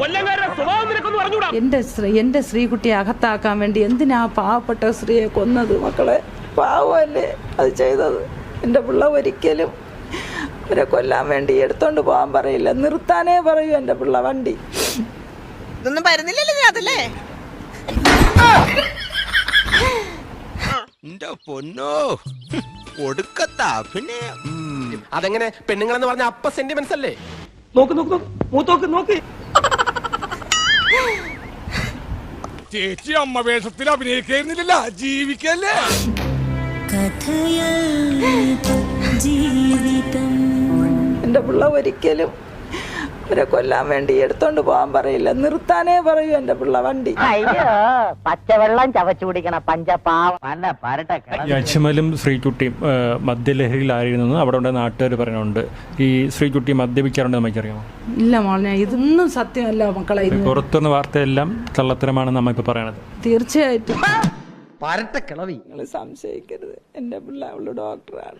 എന്റെ ശ്രീകുട്ടിയെ അകത്താക്കാൻ വേണ്ടി എന്തിനാ പാവപ്പെട്ട സ്ത്രീയെ കൊന്നത്? മക്കളെ പാവമല്ലേ അത് ചെയ്തത്. എൻ്റെ പിള്ള ഒരിക്കലും അവരെ കൊല്ലാൻ വേണ്ടി എടുത്തോണ്ട് പോകാൻ പറയില്ല, നിർത്താനേ പറയൂ എൻ്റെ പിള്ള വണ്ടി. ഇതൊന്നും വരുന്നില്ലല്ലേ അതല്ലേ? അതെങ്ങനെ പെണ്ണുങ്ങളെന്ന് പറഞ്ഞ അപ്പ സെന്റിമെന്റ്സ് അല്ലേ? നോക്ക് ചേച്ചി അമ്മ വേഷത്തിൽ അഭിനയിക്കുന്നില്ല, ജീവിക്കല്ലേ. എൻ്റെ പിള്ള ഒരിക്കലും അവരെ കൊല്ലാൻ വേണ്ടി എടുത്തോണ്ട് പോകാൻ പറയില്ല, നിർത്താനേ പറയൂ എൻ്റെ പിള്ള വണ്ടി. അയ്യോ പച്ചവെള്ളം ചവച്ചു കുടിക്കണ പഞ്ചപാവം. അജ്മലും ശ്രീകുട്ടിയും മദ്യലഹരിയിലായിരുന്നു അവിടെ ഉണ്ട് നാട്ടുകാർ പറയുന്നുണ്ട്. ഈ ശ്രീകുട്ടി മദ്യപിക്കാറുണ്ട് നമുക്കറിയാമോ? ഇല്ല മോളെ, ഇതൊന്നും സത്യമല്ല മക്കളെ. പുറത്തുനിന്ന് വാർത്തയെല്ലാം കള്ളത്തരമാണ് നമ്മ ഇപ്പൊ പറയണത്. തീർച്ചയായിട്ടും നിങ്ങൾ സംശയിക്കരുത്, എൻ്റെ പിള്ള അവള് ഡോക്ടറാണ്.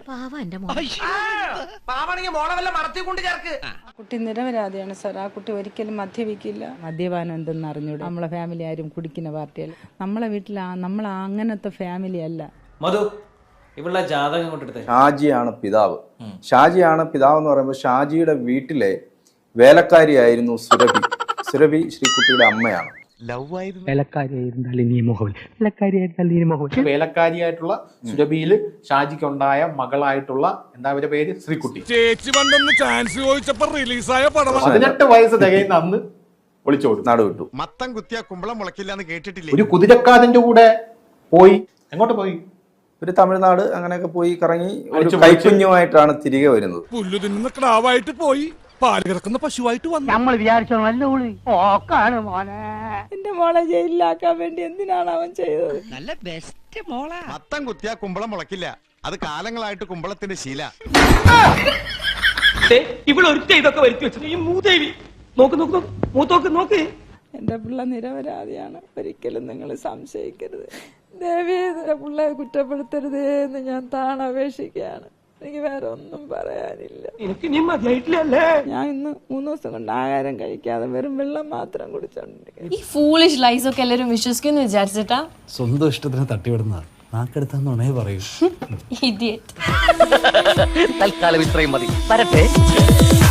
കുട്ടി നിരപരാധിയാണ് സാർ. ആ കുട്ടി ഒരിക്കലും മദ്യപിക്കില്ല. മദ്യപാനം എന്തെന്ന് അറിഞ്ഞൂടെ? നമ്മളെ ഫാമിലി ആരും കുടിക്കുന്ന പാർട്ടിയല്ല. നമ്മളെ വീട്ടിൽ നമ്മൾ അങ്ങനത്തെ ഫാമിലി അല്ല. മധു, ഇവളുടെ ജാതകം കൊണ്ടെടുത്തേ. ഷാജിയാണ് പിതാവ്. ഷാജിയാണ് പിതാവ് എന്ന് പറയുമ്പോൾ ഷാജിയുടെ വീട്ടിലെ വേലക്കാരിയായിരുന്നു സുരഭി. സുരഭി ശ്രീകുട്ടിയുടെ അമ്മയാണ്. വേലക്കാരിയായിട്ടുള്ള സുരഭിയില് ഷാജിക്കുണ്ടായ മകളായിട്ടുള്ള എന്താ അവരുടെ പേര് ശ്രീകുട്ടി. ചേച്ചി പണ്ടൊന്ന് ചാൻസ് ചോദിച്ചപ്പോ റിലീസായ പടം. 18 വയസ്സ് തികയുന്ന അന്ന് ഒളിച്ചോടും, നടുവിട്ടു. മത്തം കുത്തിയ കുമ്പളം മുളക്കില്ല എന്ന് കേട്ടിട്ടില്ലേ? ഒരു കുതിരക്കാരന്റെ കൂടെ പോയി. എങ്ങോട്ട് പോയി? ഒരു തമിഴ്നാട് അങ്ങനെയൊക്കെ പോയി കറങ്ങി ഒരു കൈക്കുഞ്ഞുമായിട്ടാണ് തിരികെ വരുന്നത്. പുല്ലു തിന്നുന്ന ക്ലാവായിട്ട് പോയി പാല് കിടക്കുന്ന പശുവായിട്ട് വന്നു. നമ്മൾ വിചാരിച്ചോ നല്ല ഓക്കാണ് മോനെ. എന്റെ മോളെ ജയിലിലാക്കാൻ വേണ്ടി എന്തിനാണ് അവൻ ചെയ്തത്? നല്ല ബെസ്റ്റ് മോളാ. മത്തം കുത്തിയ കുമ്പളം മുളക്കില്ല, അത് കാലങ്ങളായിട്ട് കുമ്പളത്തിന്റെ ശീല. ഇതൊക്കെ വരുത്തി വെച്ചത് ഈ മൂദേവി. നോക്ക്. എന്റെ പിള്ള നിരപരാധിയാണ്, ഒരിക്കലും നിങ്ങൾ സംശയിക്കരുത്. ദേവി പിള്ളയെ കുറ്റപ്പെടുത്തരുതേ എന്ന് ഞാൻ താണപേക്ഷിക്കുകയാണ്. എനിക്ക് വേറെ ഒന്നും പറയാനില്ല. ഞാൻ ഇന്ന് 3 ദിവസം കൊണ്ട് ആഹാരം കഴിക്കാതെ വെറും വെള്ളം മാത്രം കുടിച്ചോണ്ടിരിക്കും. ഈ ഫൂളിഷ് ലൈസ് ഒക്കെ എല്ലാവരും വിശ്വസിക്കുന്നു വിചാരിച്ചിട്ടാ? സ്വന്തം ഇഷ്ടത്തിന് തട്ടിവിടുന്നതാണ്. നാക്കെടുത്താന്നുണേ പറയൂ. ഇഡിയറ്റ്. തൽക്കാലം ഇത്രയും മതി. വരട്ടെ.